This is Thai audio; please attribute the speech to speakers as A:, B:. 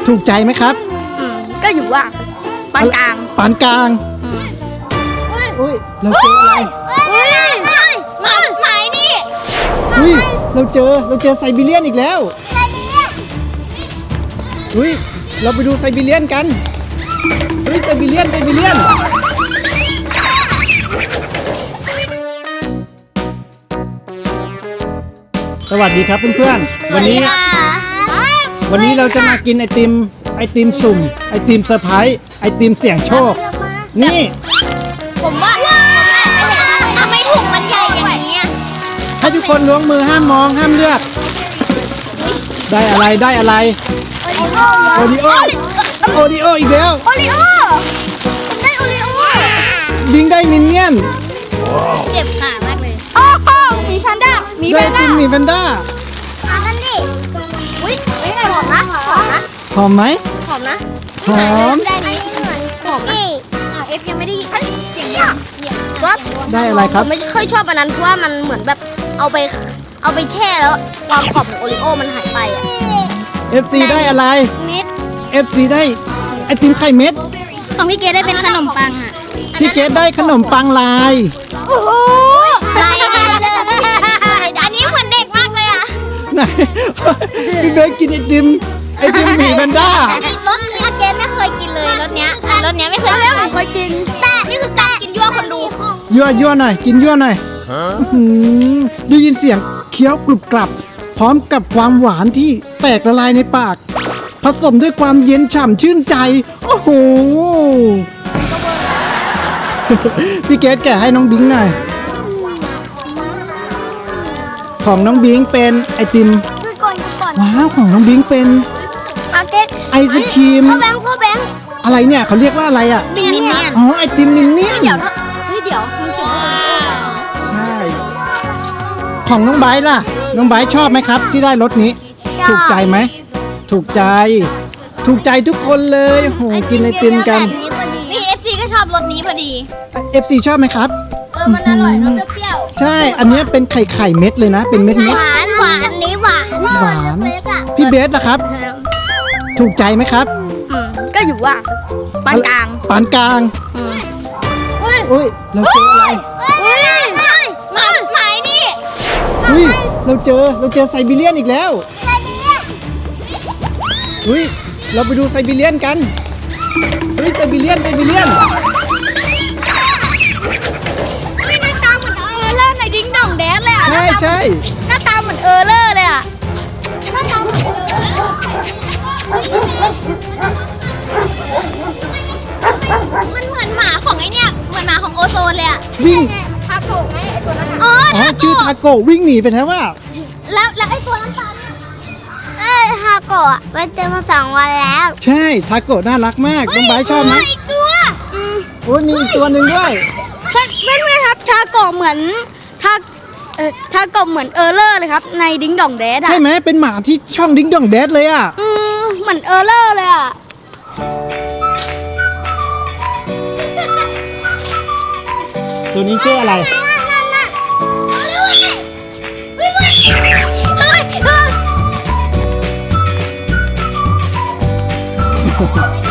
A: ถูกใจไหมครับ
B: ก็อยู่ว่าปานกลาง
A: ปานกลางอุ้ยเราเจออะไร
B: หมายนี่
A: อุ้ยเราเจอไซบีเรียนอีกแล้วอุ้ยเราไปดูไซบีเรียนกันอุ้ยไซบีเรียนสวัสดีครับเพื่อนๆวันนี้เราจะมากินไอติมสุ่มไอติมเซอร์ไพรส์ไอติมเสี่ยงโชคนี่
B: ผมว่าทำไมถุงมันใหญ่อย่างนี้
A: ให้ทุกคนล้วงมือห้ามมองห้ามเลือกได้อะไรโอริโออีกแล้ว
B: โอริโอได้โอริโอ
A: บิงได้มินเนี่ยน
B: เจ็บขามากเลยอ้าวมีแพนด้ามี
A: ได้ไอติมมีแพนด้า
B: มากันดิอุ้ยหอมนะ
A: หอมไหม
B: หอมนะ
A: หอม
B: ได้นี้หอมนะเอฟยังไม่ได้เสียงดังก๊อฟ
A: ได้อะไรครับ
B: ผมไม่ค่อยชอบอันนั้นเพราะว่ามันเหมือนแบบเอาไปแช่แล้วความกรอบของโอริโอมันหายไปอ่ะ
A: FC ได้อะไร
B: เม็ด
A: FC ได้ไอติมไข่เม็ด
B: ของพี่เกดได้เป็นขนมปังอ่ะ
A: พี่เกดได้ขนมปังลาย
B: โอ้โหลายอันนี้เหมือนเด็กมากเลยอ่ะ
A: ไหน พี่เบสกินไอติมหมีแพนด้าร
B: สนี้เกดไม่เคยกินเลยรสเนี้ยไม่เคยกินแต่นี่คือการกินยั่วคนดู
A: ยั่วหน่อยกินยั่วหน่อยอื้อหือได้ยินเสียงเคี้ยวกรุบกรับ พร้อมกับความหวานที่แตกละลายในปาก ผสมด้วยความเย็นฉ่ำชื่นใจ โอ้โห พี่เกดแกะให้น้องบิงหน่อย ของน้องบิงเป็นไอติม
B: คือก่อน
A: ว้าวของน้องบิงเป็น
B: เอาเกด
A: ไอศครีม
B: พ่อแบงค์
A: อะไรเนี่ยเขาเรียกว่าอะไรอ่ะ
B: มินเนี่ยน
A: อ๋อไอติมมินเนี่ยน
B: เดี๋ยวมันเขียนว่า
A: ใช่ของน้องไบร์ทล่ะ น้องไบร์ทชอบไหมครับ ที่ได้รถนี้ ถูกใจไหมถูกใจทุกคนเลยโหกินไอติมกัน
B: มีเอฟซีก็ชอบรสนี้พอดี
A: FC ชอบไหมครับ
B: มันอร่อยรสเปรี้ยว
A: ใช่อันเนี้ยเป็นไข่เม็ดเลยนะ เป็นเม็ด
B: หวานนี้หวาน
A: หวานพี่เบสล่ะครับ ถูกใจไหมครับ
B: ก็อยู่ว่าปานกลาง
A: ปานกลางอุ้ยเราเจออะไร
B: หมายนี่
A: อุ้ยเราเจอไซบีเรียนอีกแล้วอุ้ยเราไปดูไซบีเรียนกันอุ้ยไซบีเรียน
B: หน้าตาเหมือนเออร์เลอร์ในดิ้งดองแดนเลยอ่ะ
A: ใช่
B: หน้าตาเหมือนเออร์เลอร์เลยอ่ะหน้าตาเหมือนมันเหมือนหมาของไอเนี่ยเหมือนหมาของโอโซนเลยอ่ะ
A: วิ่ง
B: ทาโกะไงไอตัวนั้นอ๋อ
A: ชื่อทาโกะวิ่งหนีไปแล้วว่า
B: แล้วไอตัวน้ำตาลทาโกะไปเจอมา2 วันแล้ว
A: ใช่ทาโกะน่ารักมากน้องไบร์ทชอบไหม
B: อีกตัว
A: โอ้ยมีอีกตัวหนึ่งด้วย
B: เพื่อนๆครับทาโกะเหมือนทาโกะเหมือนเออร์เลอร์เลยครับในดิ้งดองแดดอ่ะ
A: ใช่ไหมเป็นหมาที่ช่องดิ้งดองแดดเลยอ่ะ
B: เหมือนเออร์เลอร์เลยอ่ะ
A: ตัวนี้ชื่ออะไร
B: นั่น